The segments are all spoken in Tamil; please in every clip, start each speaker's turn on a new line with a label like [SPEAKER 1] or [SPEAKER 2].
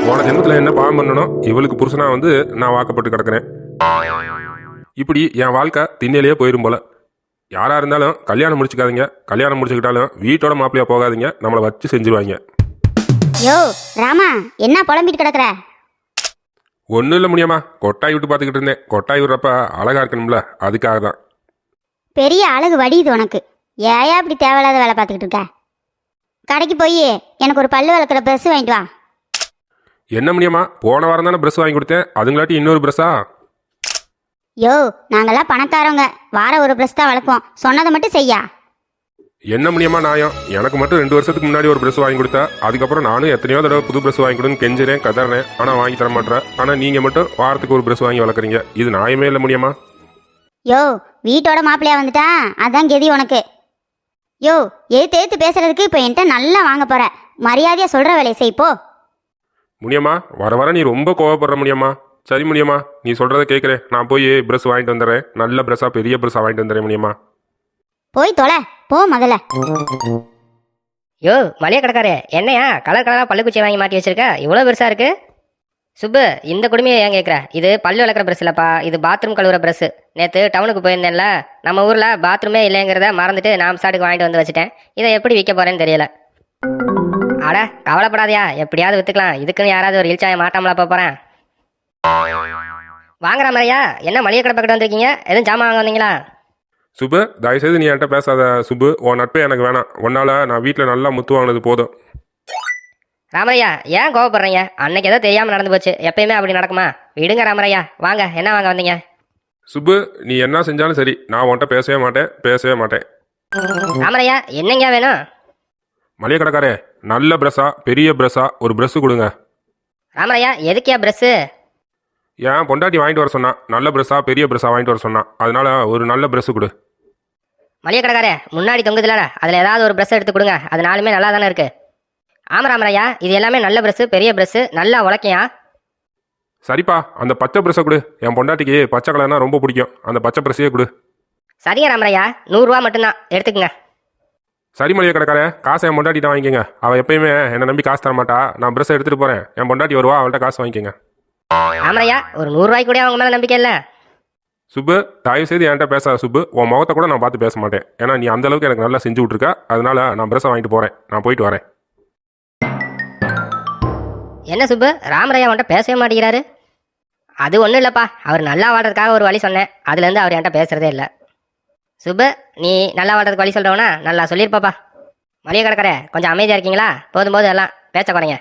[SPEAKER 1] போன ஜென்மத்தில் என்ன பாவம் பண்ணணும் இவளுக்கு புருஷனா வந்து நான் வாக்கப்பட்டு கிடக்கிறேன். இப்படி என் வாழ்க்கை திண்ணையிலேயே போயிடும் போல. யாரா இருந்தாலும் கல்யாணம் முடிச்சுக்காதீங்க. கல்யாணம் முடிச்சுக்கிட்டாலும் வீட்டோட மாப்பிள்ளையா போகாதீங்க. நம்மளை வச்சு செஞ்சுருவாங்க.
[SPEAKER 2] யோ ராமா, என்ன புலம்பிட்டு கிடக்குற?
[SPEAKER 1] ஒன்றும் இல்லை முடியாமா, கொட்டாய் விட்டு பார்த்துக்கிட்டு இருந்தேன். கொட்டாய் விடுறப்ப அழகா இருக்கணும்ல, அதுக்காக தான்.
[SPEAKER 2] பெரிய அழகு வடியுது உனக்கு. ஏயா இப்படி தேவையில்லாத வேலை பார்த்துக்கிட்டு இருக்க? கடைக்கு போய் எனக்கு ஒரு பல்லு விளக்குற ப்ரெஸ் வாங்கிட்டு வா.
[SPEAKER 1] என்ன முடியாமா, போன வாரம் தானே ப்ரெஸ் வாங்கி கொடுத்தேன். அதுங்களாட்டி இன்னொரு ப்ரெஸ்ஸா?
[SPEAKER 2] யோ நாங்கெல்லாம் பணக்காரவங்க, வார ஒரு ப்ரெஸ் தான் வளர்ப்போம். சொன்னதை மட்டும் செய்யா.
[SPEAKER 1] என்ன முடியாமா நியாயம்? எனக்கு மட்டும் 2 வருஷத்துக்கு முன்னாடி ஒரு ப்ரெஸ் வாங்கி கொடுத்தா, அதுக்கப்புறம் நானும் எத்தனையோ தடவை புது ப்ரெஸ் வாங்கி கொடுன்னு கெஞ்சுறேன், கதறேன். ஆனால் வாங்கி தர மாட்டேன். ஆனால் நீங்கள் மட்டும் வாரத்துக்கு ஒரு ப்ரெஸ் வாங்கி வளர்க்குறீங்க. இது நியாயமே இல்லை முடியாமா?
[SPEAKER 2] யோ வீட்டோட மாப்பிள்ளையா வந்துட்டா அதான் கெதி உனக்கு. யோ ஏத்து பேசுறதுக்கு இப்போ என்கிட்ட நல்லா வாங்க போற. மரியாதையா சொல்ற வேலையை செய் போ.
[SPEAKER 1] முடியாமா, வர வர நீ ரொம்ப கோவப்படுற முடியாமா? சரி முடியாமா, நீ சொல்கிறத கேட்குறேன். நான் போய் ப்ரெஸ் வாங்கிட்டு வந்துடுறேன். நல்ல ப்ரெஸ்ஸாக பெரிய ப்ரெஸ்ஸாக வாங்கிட்டு வந்துடுறேன் முடியாமா?
[SPEAKER 2] போய் தொலை போ முதல்ல.
[SPEAKER 3] யோ மளிகை கடைக்காரே, என்னையா கலர் கலராக பல்லுக்குச்சி வாங்கி மாட்டி வச்சிருக்க? இவ்வளோ பெருசாக இருக்கு. சுப்பு, இந்த குடுமையை ஏன் கேட்குற? இது பல்லு விளக்குற ப்ரெஸ் இல்லைப்பா, இது பாத்ரூம் கழுவுற ப்ரெஸ்ஸு. நேற்று டவுனுக்கு போயிருந்தேன்ல, நம்ம ஊரில் பாத்ரூமே இல்லைங்கிறத மறந்துட்டு நான் சாட்டுக்கு வாங்கிட்டு வந்து வச்சுட்டேன். இதை எப்படி விற்க போகிறேன்னு தெரியல. அட கவலைப்படாதியா, எப்படியாவது விற்றுக்கலாம். இதுக்குன்னு யாராவது ஒரு இல்சாயை மாட்டாமலா போகிறேன். வாங்குற மாதிரியா? என்ன மளிகை கடை பக்கத்து வந்திருக்கீங்க? எதுவும் ஜாமான் வாங்க வந்தீங்களா?
[SPEAKER 1] சுப்பு, தயவுசெய்து நீ என்கிட்ட பேசாத சுப்பு. உன் நட்பே எனக்கு வேணாம். உன்னால் நான் வீட்டில் நல்லா முத்து வாங்கினது போதும்.
[SPEAKER 3] ராமரையா, ஏன் கோவப்படுறீங்க? அன்னைக்கு ஏதோ தெரியாமல் நடந்து போச்சு. எப்பயுமே அப்படி நடக்குமா? விடுங்க ராமரையா, வாங்க. என்ன வாங்க வந்தீங்க?
[SPEAKER 1] சுப்பு, நீ என்ன செஞ்சாலும் சரி, நான் உன்கிட்ட பேசவே மாட்டேன்.
[SPEAKER 3] ராமரையா, என்னங்க வேணும்?
[SPEAKER 1] மளிகை கடைக்காரே, நல்ல ப்ரெஸ்ஸா பெரிய ப்ரெஸ்ஸா ஒரு ப்ரெஸ்ஸு கொடுங்க.
[SPEAKER 3] ராமரையா, எதுக்கியா ப்ரெஸ்ஸு?
[SPEAKER 1] ஏன் பொண்டாட்டி வாங்கிட்டு வர சொன்னான். நல்ல ப்ரெஸ்ஸா பெரிய ப்ரெஸ்ஸா வாங்கிட்டு வர சொன்னான். அதனால ஒரு நல்ல ப்ரெஸ்ஸு கொடு.
[SPEAKER 3] மளிகை கடைக்காரே, முன்னாடி தொங்குதுல, அதில் ஏதாவது ஒரு ப்ரெஸ் எடுத்து கொடுங்க. அது நாலுமே நல்லா தானே இருக்கு. ஆமா ராமரையா, இது எல்லாமே நல்ல ப்ரெஸ்ஸு, பெரிய ப்ரெஸ்ஸு, நல்லா உழைக்கையா.
[SPEAKER 1] சரிப்பா, அந்த பச்சை ப்ரெஸ்ஸை கொடு. என் பொண்டாட்டிக்கு பச்சை கலர்னா ரொம்ப பிடிக்கும். அந்த பச்சை ப்ரெஸ்ஸையே கொடு.
[SPEAKER 3] சரிங்க ராமரையா, 100 ரூபா மட்டும்தான், எடுத்துக்கங்க.
[SPEAKER 1] சரி மளிகை கடைக்காரே, காசை என் பொண்டாட்டிட்ட வாங்கிக்கோங்க. அவள் எப்பயுமே என்னை நம்பி காசு தர மாட்டா. நான் ப்ரெஸ்ஸை எடுத்துகிட்டு போகிறேன். என் பொண்டாட்டி வருவா, அவள்கிட்ட காசு வாங்கிக்கோங்க.
[SPEAKER 3] ராமரையா, ஒரு 100 ரூபாய்க்கு கூட அவங்க மேலே நம்பிக்கை இல்லை.
[SPEAKER 1] சுப்பு, தயவுசெய்து என்கிட்ட பேசாத சுப்பு. உன் முகத்தை கூட நான் பார்த்து பேச மாட்டேன். ஏன்னா நீ அந்த அளவுக்கு எனக்கு நல்லா செஞ்சு விட்ருக்க. அதனால நான் ப்ரெஸ்ஸை வாங்கிட்டு போகிறேன். நான் போயிட்டு வரேன்.
[SPEAKER 3] என்ன சுப்பு, ராமரையா அவன்கிட்ட பேசவே மாட்டேங்கிறாரு? அது ஒன்றும் இல்லைப்பா, அவர் நல்லா வாழ்றதுக்காக ஒரு வழி சொன்னேன். அதுலேருந்து அவர் என்கிட்ட பேசுறதே இல்லை. சுப்பு, நீ நல்லா வாழ்றதுக்கு வழி சொல்கிறவனா? நல்லா சொல்லியிருப்பாப்பா. மளிகை கடைக்காரே, கொஞ்சம் அமைதியாக இருக்கீங்களா? போதும் எல்லாம் பேச்ச குறைங்க.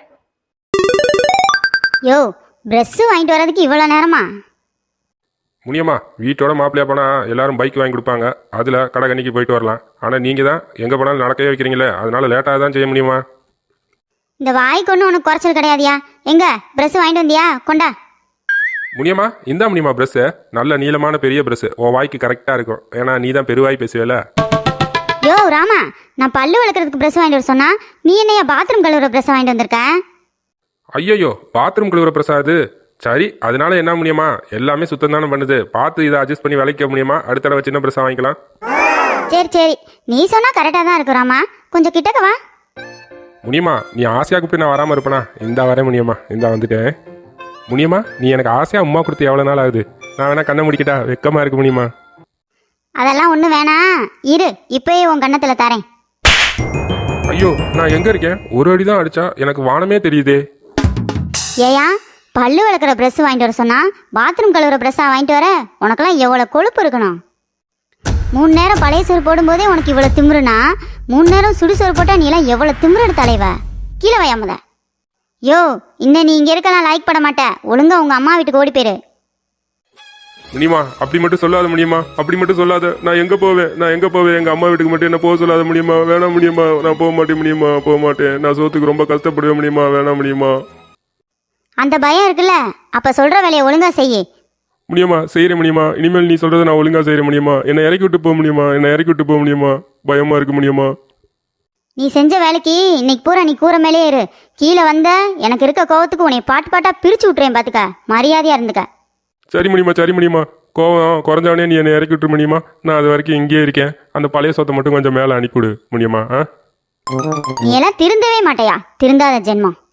[SPEAKER 2] யோ ப்ரெஸ்ஸு வாங்கிட்டு வர்றதுக்கு இவ்வளோ நேரமா?
[SPEAKER 1] முடியுமா, வீட்டோட மாப்பிள்ளையா போனால் எல்லாரும் பைக் வாங்கி கொடுப்பாங்க. அதில் கடை கண்ணிக்கு போயிட்டு வரலாம். ஆனால் நீங்கள் தான் எங்கே போனாலும் நடக்கவே வைக்கிறீங்களே, அதனால லேட்டாக தான் செய்ய முடியுமா?
[SPEAKER 2] இந்த வாய்க்கு ஒன்றும் உனக்கு குறைச்சல் கிடையாதியா? எங்க ப்ரெஸ் வாங்கிட்டு வந்தியா? கொண்டா.
[SPEAKER 1] முடியுமா, இந்தா முடியுமா ப்ரெஸ்ஸு. நல்ல நீளமான பெரிய ப்ரெஸ்ஸு. உன் வாய்க்கு கரெக்டாக இருக்கும். ஏன்னா நீ தான் பெருவாய் பேசுவேல.
[SPEAKER 2] யோ ராமா, நான் பல்லு வளர்க்குறதுக்கு ப்ரெஸ் வாங்கிட்டு வர சொன்னா, நீ என்னையா பாத்ரூம் கழுவுற ப்ரெஸ் வாங்கிட்டு வந்திருக்க?
[SPEAKER 1] ஐயோ, பாத்ரூம் கழுவுற ப்ரெஸ்ஸா அது? சரி, அதனால என்ன முடியுமா, எல்லாமே சுத்தம் தானே பண்ணுது. பார்த்து இதை அட்ஜஸ்ட் பண்ணி விளைக்க முடியுமா? அடுத்த தடவை சின்ன ப்ரெஸ்ஸாக வாங்கிக்கலாம்.
[SPEAKER 2] சரி, நீ சொன்னா கரெக்டாக தான் இருக்கு ராமா. கொஞ்சம் கிட்டக்க வா.
[SPEAKER 1] முடியுமா, நீ ஆசையாக கூப்பிட்டு நான் வராமல் இருப்பேனா? இந்தா வரேன் முடியுமா, இந்தா வந்துட்டேன். முடியுமா, நீ எனக்கு ஆசையாக உமா கொடுத்து எவ்வளோ நாள் ஆகுது? நான் வேணா கண்ணை முடிக்கிட்டா? வெக்கமாக இருக்கு முடியுமா?
[SPEAKER 2] அதெல்லாம் ஒன்றும் வேணாம், இரு இப்பயே உன் கண்ணத்தில் தரேன்.
[SPEAKER 1] ஐயோ, நான் எங்கே இருக்கேன்? ஒரு அடி தான் அடிச்சா எனக்கு வானமே தெரியுதே.
[SPEAKER 2] ஏயா, பல்லு வளர்க்குற ப்ரெஸ் வாங்கிட்டு வர சொன்னா பாத்ரூம் கழுவுற ப்ரெஸ்ஸாக வாங்கிட்டு வர? உனக்கெல்லாம் எவ்வளோ கொழுப்பு இருக்கணும்? 3 நேரம் பழைய சோறு போடும்போதே உனக்கு இவ்வளோ திமிருனா, 3 நேரம் சுடுசோறு போட்டால் நீலாம் எவ்வளோ திமிரு தலைவ. கீழே வையாமத. யோ, இன்னும் நீ இங்கே இருக்கலாம் லைக் பண்ண மாட்டேன். ஒழுங்கா உங்கள் அம்மா வீட்டுக்கு ஓடி போயிரு.
[SPEAKER 1] முடியுமா, அப்படி மட்டும் சொல்லாத முடியுமா, அப்படி மட்டும் சொல்லாத. நான் எங்கே போவேன்? எங்கள் அம்மா வீட்டுக்கு மட்டும் என்ன போக சொல்லாத முடியுமா? வேணாம் முடியுமா, நான் போக மாட்டேன் முடியுமா, போக மாட்டேன். நான் சோத்துக்கு ரொம்ப கஷ்டப்படுவேன் முடியுமா, வேணாம் முடியுமா.
[SPEAKER 2] அந்த பயம் இருக்குல்ல, அப்போ சொல்கிற வேலையை ஒழுங்கா செய்யி.
[SPEAKER 1] முடியுமா, செய்கிறேன் முடியுமா. இனிமேல் நீ சொல்கிறத நான் ஒழுங்காக செய்கிற முடியுமா? என்னை இறக்கி விட்டு போக முடியுமா? பயமாக இருக்கு முடியுமா?
[SPEAKER 2] நீ செஞ்ச வேலைக்கு இன்னைக்கு பூரா நீ கூரை மேலே இரு. கீழே வந்த எனக்கு இருக்க கோவத்துக்கு உன்னை பாட்டா பிரிச்சு விட்டுறேன். பார்த்துக்க, மரியாதையா இருந்துக்க.
[SPEAKER 1] சரி முடியுமா. கோவம் குறைஞ்சவனே நீ என்னை இறக்கி விட்டுற முடியுமா? நான் அது வரைக்கும் இங்கேயே இருக்கேன். அந்த பழைய சொத்தை மட்டும் கொஞ்சம் மேலே அனுப்பிவிடு முடியுமா?
[SPEAKER 2] நீ எல்லாம் திருந்தவே மாட்டையா? திருந்தாத ஜென்மம்.